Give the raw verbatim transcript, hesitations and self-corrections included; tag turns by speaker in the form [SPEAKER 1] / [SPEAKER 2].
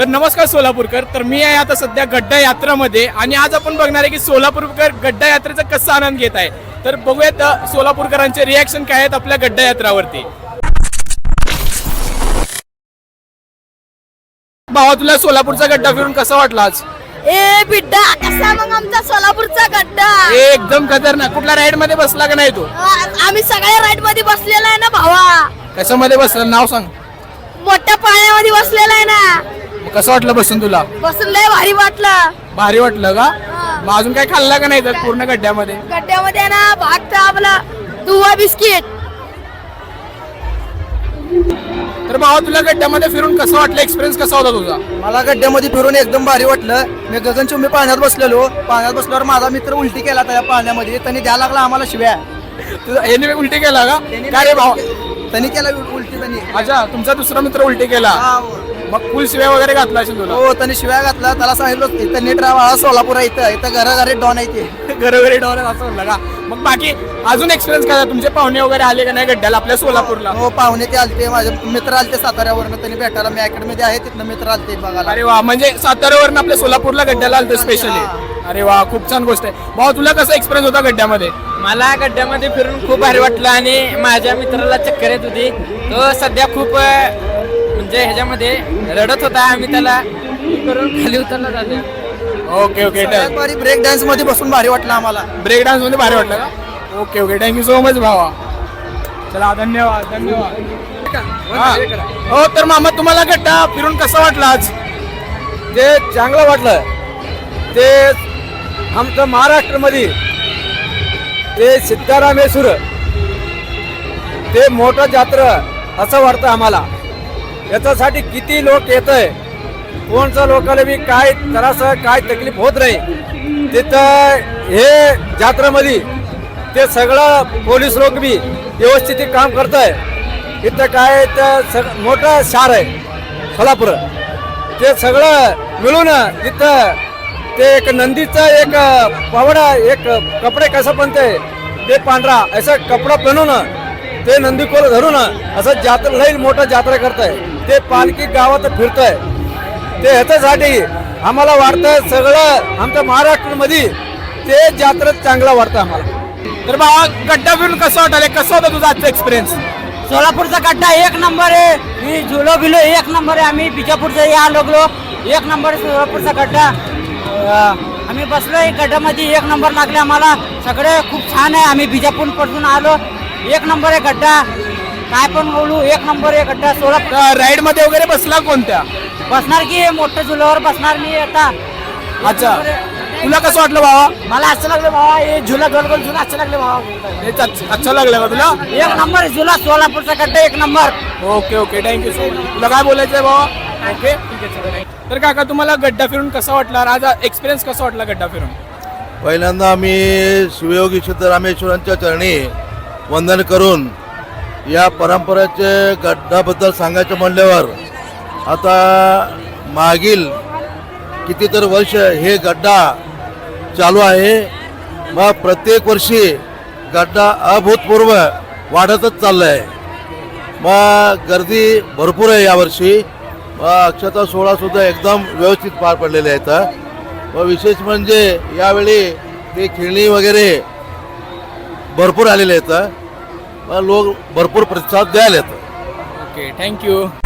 [SPEAKER 1] तर नमस्कार सोलापूरकर. तर मी आहे आता सध्या गड्डा यात्रामध्ये आणि आज आपण बघणार आहे की सोलापूरकर गड्डा यात्रेचा कसा आनंद घेत आहे. तर बघूयात अ, सोलापूरकरांचे रिॲक्शन काय आहेत आपल्या गड्डा यात्रावरती. भावा, तुला सोलापूरचा गड्डा फिरून कसा वाटला आज?
[SPEAKER 2] ए बिड्डा, कसा मग आमचा सोलापूरचा गड्डा?
[SPEAKER 1] एकदम खतरनाक. कुठल्या राईड मध्ये बसला का नाही तू?
[SPEAKER 2] आ- आम्ही सगळ्या राईड मध्ये बसलेला आहे ना भावा.
[SPEAKER 1] कशामध्ये बसला, नाव सांग.
[SPEAKER 2] मोठ्या पाण्यामध्ये बसलेला आहे ना.
[SPEAKER 1] मग कसं वाटलं बसून तुला?
[SPEAKER 2] बसून लय भारी वाटलं.
[SPEAKER 1] भारी वाटलं का? मग अजून काय खाल्लं का नाही तर पूर्ण गड्ड्यामध्ये?
[SPEAKER 2] गड्ड्यामध्ये आहे ना भागता आपला दुवा बिस्किट.
[SPEAKER 1] तर भावा, तुला गड्ड्यामध्ये फिरून कसं वाटलं? एक्सपिरियन्स कसा होता तुझा?
[SPEAKER 3] मला गड्ड्यामध्ये फिरून एकदम भारी वाटलं. मी गगनचुंबी पाण्यात बसलेलो. पाण्यात बसल्यावर माझा मित्र उलटी केला त्या पाण्यामध्ये. त्यांनी द्यायला लागला आम्हाला शिव्या.
[SPEAKER 1] तुझा याने उलटी केला का? काय रे भावा?
[SPEAKER 3] त्यांनी केला उलटी त्यांनी.
[SPEAKER 1] अच्छा, तुमचा दुसरा मित्र उलटी केला. मग फुल शिव्या वगैरे घातला असेल तुला?
[SPEAKER 3] हो, त्यांनी शिव्या घातला. त्याला सांगितलं इथं नीट राहा, सोलापूर आहे इथं इथं घराघरी डॉन आहे ते.
[SPEAKER 1] घरोघरी डॉलर असं म्हणलं का? मग बाकी अजून एक्सपिरियन्स काय? तुमचे पाहुणे वगैरे आले का नाही गड्ड्याला आपल्या सोलापूरला?
[SPEAKER 3] हो, पाहुणे ते आलते. माझे मित्र आलते साताऱ्यावरनं. त्यांनी भेटायला मी अकॅडमीमध्ये आहे तिथनं मित्र आलते बघायला.
[SPEAKER 1] अरे वा, म्हणजे साताऱ्यावरून आपल्या सोलापूरला गड्ड्याला आलतो स्पेशली. अरे वा, खूप छान गोष्ट आहे. भाऊ, तुला कसा एक्सपिरियन्स होता गड्ड्यामध्ये?
[SPEAKER 4] मला गड्ड्यामध्ये फिरून खूप भारी वाटलं आणि माझ्या मित्राला चक्कर येत होती. तो सध्या खूप अ, म्हणजे ह्याच्यामध्ये रडत होता. आम्ही त्याला करून खाली उतरला जाते.
[SPEAKER 1] Okay okay.
[SPEAKER 3] सगळ्यात भारी ब्रेक डान्स मध्ये बसून भारी वाटलं आम्हाला.
[SPEAKER 1] ब्रेक डान्स मध्ये भारी वाटलं का? Okay okay, thank you so much भावा. चला, धन्यवाद धन्यवाद. हा. हो, तर मामा, तुम्हाला गड्डा फिरून कसा वाटला आज?
[SPEAKER 5] ते चांगलं वाटलं. ते आमचं महाराष्ट्रामध्ये ते सिद्धारामेश्वर ते मोठं जात्रा असं वाटतं आम्हाला. याच्यासाठी किती लोक येत आहे, कोणच्या लोकांना बी काय त्रास काय तकलीफ होत नाही. तिथं हे जात्रेमध्ये ते सगळं पोलीस लोक बी व्यवस्थित काम करत आहे. इथं काय तर सग मोठं शहर आहे सोलापूर. ते सगळं मिळून तिथं ते एक नंदीचं एक पावडा एक कपडे कसं बनते ते पांढरा असं कपडा बनवून ते नंदी कोल धरून असं जात्रा लई मोठं जात्रा करताय. ते पालखी गावात फिरतंय. ते ह्याच्यासाठी आम्हाला वाटतं सगळं आमच्या महाराष्ट्रामध्ये ते जात्रा चांगला वाटतं आम्हाला.
[SPEAKER 1] तर भावा, गड्डा फिरून कसं वाटलं? कसं होता तुझा आजचा एक्सपिरियन्स?
[SPEAKER 4] सोलापूरचा गड्डा एक नंबर आहे. मी झुलो बिलो एक नंबर आहे. आम्ही बिजापूरचा या लागलो. एक नंबर आहे सोलापूरचा गड्डा. अं, आम्ही बसलोय गड्ड्यामध्ये. एक नंबर लागले आम्हाला. सगळे खूप छान आहे. आम्ही बिजापूर पासून आलो. एक नंबर आहे गड्डा. काय पण बोलू, एक नंबर आहे गड्डा. सोलापूर
[SPEAKER 1] राईड मध्ये वगैरे बसला कोणत्या?
[SPEAKER 4] बसणार की मोठ्या झुल्यावर बसणार मी आता.
[SPEAKER 1] अच्छा, तुला कसं वाटलं भावा?
[SPEAKER 4] मला असं लागलं भावा, हे झुला गोल गोल झुला असं लागलं भावा.
[SPEAKER 1] हेच अच्छा अच्छा लागलं का तुला?
[SPEAKER 4] एक नंबर आहे झुला. सोलापूरचा गड्डा एक नंबर.
[SPEAKER 1] Okay okay, thank you so much. तुला काय बोलायचंय भावा? ओके, ठीक आहे. तर काका, तुम्हाला गड्डा फिरून कसा वाटला? आज एक्सपिरियन्स कसा वाटला गड्डा फिरून?
[SPEAKER 6] पहिल्यांदा आम्ही शिवयोगी सिद्धरामेश्वरांच्या चरणी वंदन करून या परंपरेचे गड्डाबद्दल सांगायचं म्हणल्यावर आता मागील कितीतरी वर्ष हे गड्डा चालू आहे. मग प्रत्येक वर्षी गड्डा अभूतपूर्व वाढतच चाललं आहे. मग गर्दी भरपूर आहे यावर्षी. मग अक्षता सोहळासुद्धा एकदम व्यवस्थित पार पडलेले आहेत. व विशेष म्हणजे यावेळी ते खेळणी वगैरे भरपूर आलेले आहेत. मग लोक भरपूर प्रतिसाद द्यायला येतात.
[SPEAKER 1] Okay, thank you.